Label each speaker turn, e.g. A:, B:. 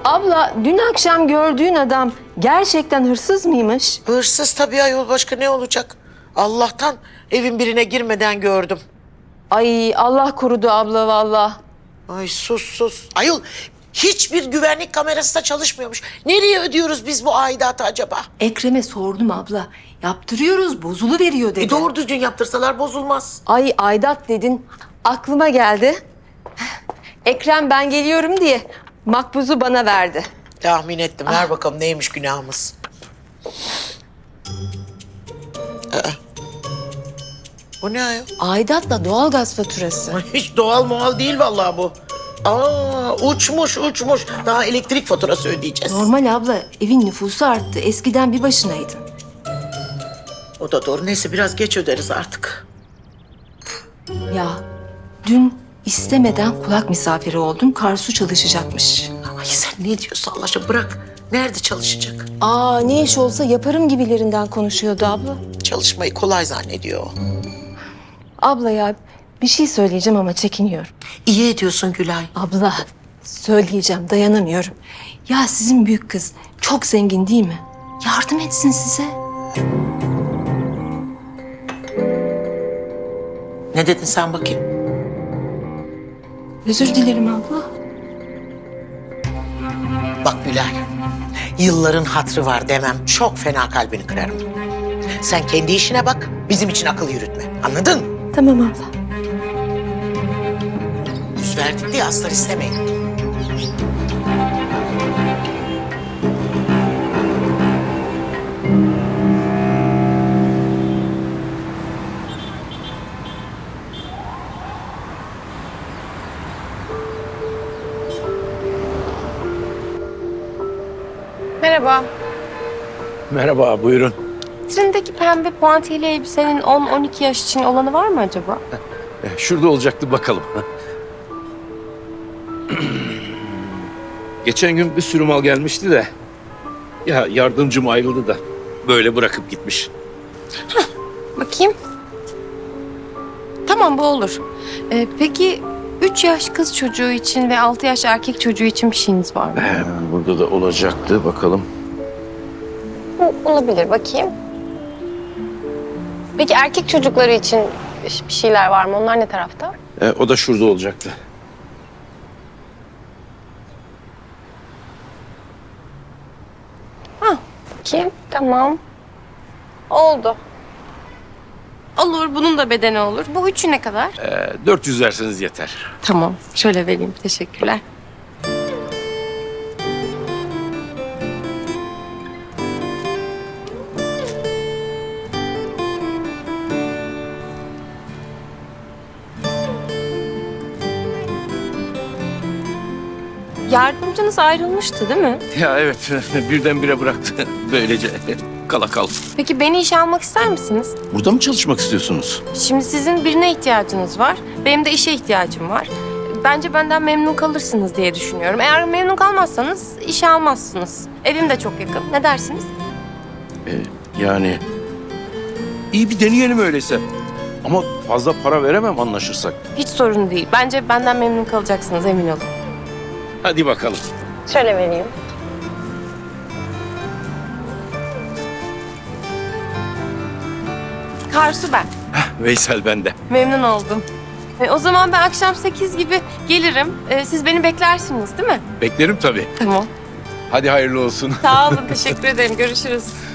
A: Abla, dün akşam gördüğün adam gerçekten hırsız mıymış?
B: Hırsız tabii ayol, başka ne olacak? Allah'tan evin birine girmeden gördüm.
A: Ay Allah korudu abla valla.
B: Ay sus. Ayol hiçbir güvenlik kamerası da çalışmıyormuş. Nereye ödüyoruz biz bu aidatı acaba?
A: Ekrem'e sordum abla. Yaptırıyoruz, bozuluveriyor dedi.
B: Doğru düzgün yaptırsalar bozulmaz.
A: Ay aidat dedin, aklıma geldi. Ekrem ben geliyorum diye makbuzu bana verdi.
B: Tahmin ettim. Ver bakalım neymiş günahımız. Bu ne ayol?
A: Aidatla doğalgaz faturası.
B: Hiç doğal muhal değil vallahi bu. Aa, uçmuş. Daha elektrik faturası ödeyeceğiz.
A: Normal abla, evin nüfusu arttı. Eskiden bir başınaydın.
B: O da doğru. Neyse biraz geç öderiz artık.
A: Ya dün istemeden kulak misafiri oldum. Karsu çalışacakmış.
B: Ay sen ne diyorsun Allah aşkına, bırak. Nerede çalışacak?
A: Aa ne iş olsa yaparım gibilerinden konuşuyordu abla.
B: Çalışmayı kolay zannediyor o.
A: Abla ya bir şey söyleyeceğim ama çekiniyorum.
B: İyi ediyorsun Gülay.
A: Abla söyleyeceğim dayanamıyorum. Ya sizin büyük kız çok zengin değil mi? Yardım etsin size.
B: Ne dedin sen bakayım?
A: Özür dilerim abla.
B: Bak Gülay, yılların hatırı var demem çok fena kalbini kırarım. Sen kendi işine bak, bizim için akıl yürütme. Anladın?
A: Tamam abla.
B: Yüz verdik diye aslar istemeyin.
C: Merhaba.
D: Merhaba, buyurun.
C: Vitrindeki pembe puantiyeli elbisenin 10-12 yaş için olanı var mı acaba?
D: Şurada olacaktı, bakalım. Geçen gün bir sürü mal gelmişti de... ...ya yardımcım ayrıldı da böyle bırakıp gitmiş.
C: Bakayım. Tamam bu olur. Peki 3 yaş kız çocuğu için ve 6 yaş erkek çocuğu için bir şeyiniz var mı?
D: Burada da olacaktı, bakalım.
C: Olabilir bakayım. Peki erkek çocukları için bir şeyler var mı? Onlar ne tarafta?
D: O da şurada olacaktı.
C: Bakayım. Tamam. Oldu. Olur. Bunun da bedeni olur. Bu üçü ne kadar?
D: 400 verseniz yeter.
C: Tamam. Şöyle vereyim. Teşekkürler. Yardımcınız ayrılmıştı değil mi?
D: Ya evet, birdenbire bıraktı. Böylece kala kaldı.
C: Peki beni işe almak ister misiniz?
D: Burada mı çalışmak istiyorsunuz?
C: Şimdi sizin birine ihtiyacınız var. Benim de işe ihtiyacım var. Bence benden memnun kalırsınız diye düşünüyorum. Eğer memnun kalmazsanız işe almazsınız. Evim de çok yakın. Ne dersiniz?
D: Yani... iyi bir deneyelim öyleyse. Ama fazla para veremem anlaşırsak.
C: Hiç sorun değil. Bence benden memnun kalacaksınız emin olun.
D: Hadi bakalım.
C: Şöyle vereyim. Karsu ben.
D: Veysel bende.
C: Memnun oldum. O zaman ben akşam 8 gibi gelirim. Siz beni beklersiniz değil mi?
D: Beklerim tabii.
C: Tamam.
D: Hadi hayırlı olsun.
C: Sağ olun. Teşekkür ederim. Görüşürüz.